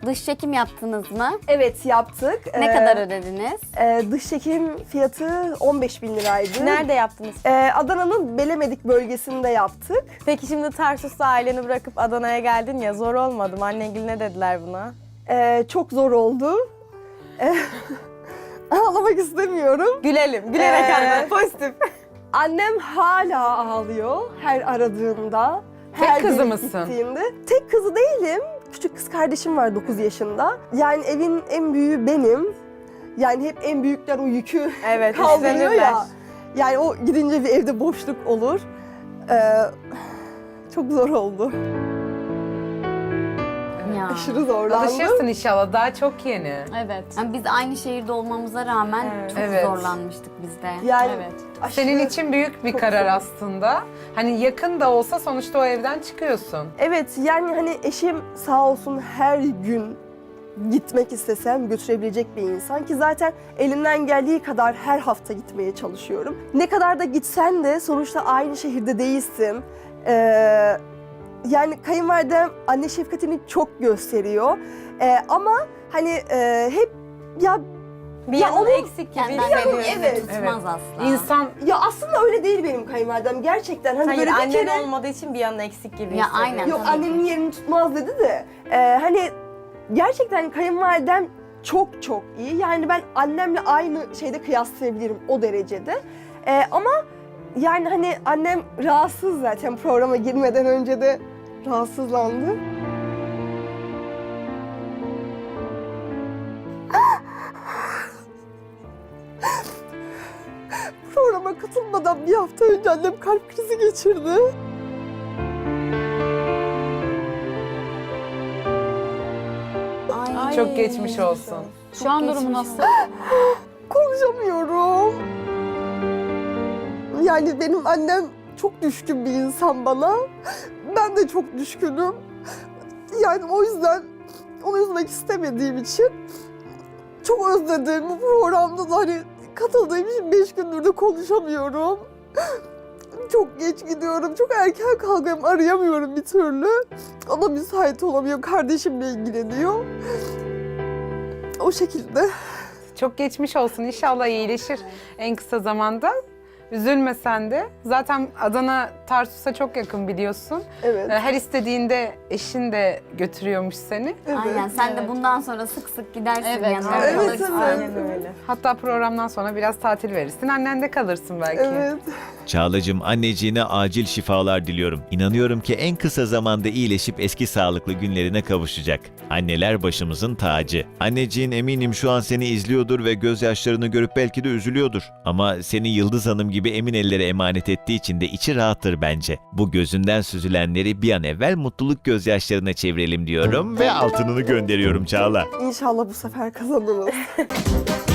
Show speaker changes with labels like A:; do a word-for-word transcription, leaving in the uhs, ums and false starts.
A: Dış çekim yaptınız mı?
B: Evet, yaptık.
A: Ne
B: Ee,
A: kadar ödediniz?
B: e, dış çekim fiyatı on beş bin liraydı.
C: Nerede yaptınız?
B: Ee, Adana'nın Belemedik bölgesinde yaptık.
C: Peki şimdi Tarsus'ta aileni bırakıp Adana'ya geldin ya, zor olmadı mı? Annengil ne dediler buna?
B: Ee, çok zor oldu. Ee, ağlamak istemiyorum.
C: Gülelim, gülerek
B: Ee,
C: anlat. Pozitif.
B: Annem hala ağlıyor her aradığımda.
D: Tek
B: her
D: kızı
B: gelip
D: mısın?
B: gittiğimde. Tek kızı değilim. Küçük kız kardeşim var dokuz yaşında. Yani evin en büyüğü benim. Yani hep en büyükler o yükü
C: Evet,
B: kaldırıyor
C: üstlenirler.
B: ya. Yani o gidince bir evde boşluk olur. Ee, çok zor oldu.
A: Ya.
B: Aşırı zorlandım.
D: Alışırsın inşallah, daha çok yeni.
A: Evet. Yani biz aynı şehirde olmamıza rağmen
C: Evet.
A: çok
D: Evet.
A: zorlanmıştık biz de.
B: Yani
C: Evet.
B: aşırı-
D: Senin için büyük bir
B: Çok
D: karar
B: zor.
D: aslında. Hani yakın da olsa sonuçta o evden çıkıyorsun.
B: Evet, yani hani eşim sağ olsun her gün gitmek istesem götürebilecek bir insan ki zaten elimden geldiği kadar her hafta gitmeye çalışıyorum. Ne kadar da gitsen de sonuçta aynı şehirde değilsin. Ee, yani kayınvalidem anne şefkatini çok gösteriyor. Ee, ama hani e, hep ya
C: Bir
B: Ya
C: yanın
B: onun
C: eksik gibi
A: Kendinden
C: hissediyorsun.
A: evet,
B: evet.
A: tutmaz asla.
D: İnsan
B: ya aslında öyle değil benim kayınvalidem gerçekten. Hani
C: Hayır,
B: böyle bir
C: annen
B: kere
C: olmadığı için bir yanın eksik gibi
A: Ya,
C: hissediyorsun.
A: aynen.
B: yok
A: tabii
B: annemin
A: ki.
B: yerini tutmaz dedi de e, hani gerçekten kayınvalidem çok çok iyi. Yani ben annemle aynı şeyde kıyaslayabilirim o derecede. E, ama yani hani annem rahatsız zaten programa girmeden önce de rahatsızlandı. Programa katılmadan bir hafta önce annem kalp krizi geçirdi.
A: Ay.
D: çok geçmiş olsun.
A: Şu an durumu nasıl?
B: Konuşamıyorum. Yani benim annem çok düşkün bir insan bana. Ben de çok düşkünüm. Yani o yüzden onu üzmek istemediğim için çok özledim. Bu programda da hani katıldığım için beş gündür de konuşamıyorum. Çok geç gidiyorum, çok erken kalkıyorum, arayamıyorum bir türlü. O da müsait olamıyor, kardeşimle ilgileniyor. O şekilde.
D: Çok geçmiş olsun. İnşallah iyileşir en kısa zamanda. Üzülme sen de. Zaten Adana Tarsus'a çok yakın biliyorsun.
B: Evet.
D: Ee, Her istediğinde eşin de götürüyormuş seni.
B: Evet.
A: Aynen. Sen de
C: Evet.
A: bundan sonra sık sık gidersin
C: Evet,
A: yanına
B: evet,
A: kalırsın.
B: evet.
C: Aynen öyle.
D: Hatta programdan sonra biraz tatil verirsin. Annen de kalırsın belki.
B: Evet.
E: Çağlacığım, anneciğine acil şifalar diliyorum. İnanıyorum ki en kısa zamanda iyileşip eski sağlıklı günlerine kavuşacak. Anneler başımızın tacı. Anneciğin eminim şu an seni izliyordur ve gözyaşlarını görüp belki de üzülüyordur. Ama seni Yıldız Hanım gibi emin ellere emanet ettiği için de içi rahattır bence. Bu gözünden süzülenleri bir an evvel mutluluk gözyaşlarına çevirelim diyorum ve altınını gönderiyorum Çağla.
B: İnşallah bu sefer kazanırız.